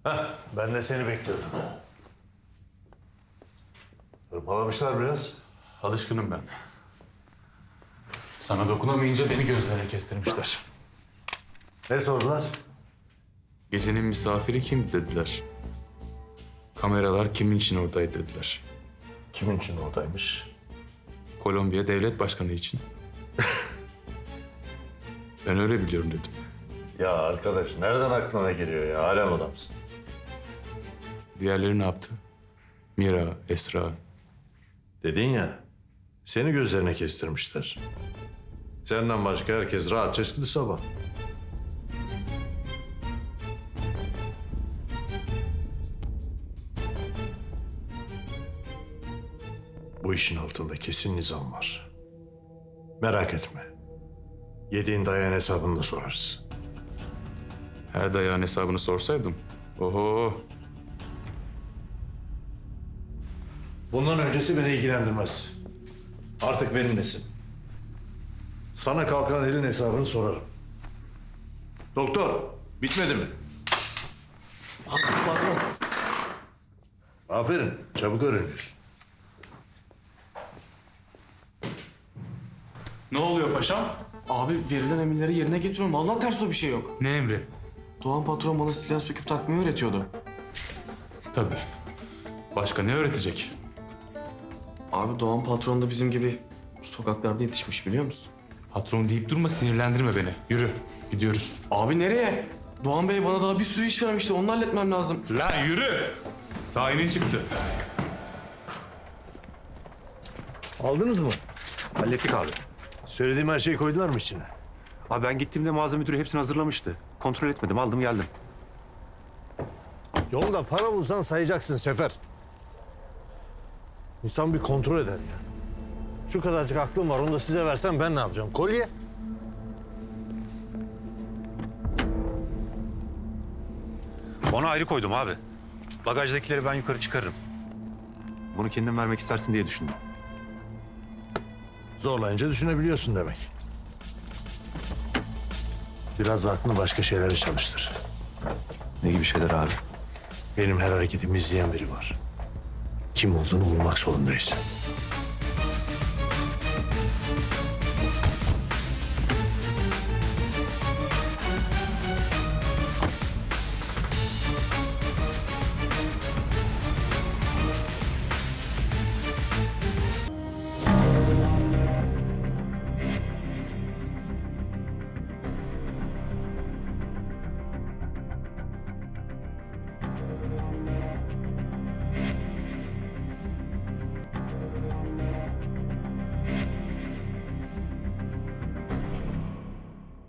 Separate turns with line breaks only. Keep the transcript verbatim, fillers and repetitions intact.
Heh, ben de seni bekliyordum. Hırpalamışlar biraz.
Alışkınım ben. Sana dokunamayınca beni gözlerine kestirmişler.
Ne sordular?
Gecenin misafiri kim dediler. Kameralar kimin için oradaydı dediler.
Kimin için oradaymış?
Kolombiya devlet başkanı için. Ben öyle biliyorum dedim.
Ya arkadaş nereden aklına geliyor ya? Alem adamsın.
Diğerleri ne yaptı? Mira, Esra.
Dedin ya, seni gözlerine kestirmişler. Senden başka herkes rahatça çıktı sabah. Bu işin altında kesin nizam var. Merak etme. Yediğin dayağın hesabını da sorarız.
Her dayağın hesabını sorsaydım. Oho.
Bundan öncesi beni ilgilendirmez. Artık benimlesin. Sana kalkan elin hesabını sorarım. Doktor, bitmedi mi?
Patron.
Aferin, çabuk öğreniyorsun.
Ne oluyor paşam?
Abi verilen emirleri yerine getiriyorum. Vallahi ters o bir şey yok.
Ne emri?
Doğan patron bana silah söküp takmayı öğretiyordu.
Tabii. Başka ne öğretecek?
Abi Doğan patron da bizim gibi sokaklarda yetişmiş biliyor musun?
Patron deyip durma, sinirlendirme beni. Yürü, gidiyoruz.
Abi nereye? Doğan Bey bana daha bir sürü iş vermişti. Onu halletmem lazım.
Lan yürü! Tayinin çıktı.
Aldınız mı?
Hallettik abi.
Söylediğim her şeyi koydular mı içine?
Abi ben gittiğimde mağaza müdürü hepsini hazırlamıştı. Kontrol etmedim, aldım geldim.
Yolda para bulsan sayacaksın Sefer. İnsan bir kontrol eder ya. Şu kadarcık aklım var, onu da size versem ben ne yapacağım? Kolye.
Onu ayrı koydum abi. Bagajdakileri ben yukarı çıkarırım. Bunu kendin vermek istersin diye düşündüm.
Zorlayınca düşünebiliyorsun demek. Biraz aklını başka şeylere çalıştır.
Ne gibi şeyler abi?
Benim her hareketimi izleyen biri var. Kim olduğunu bulmak zorundayız.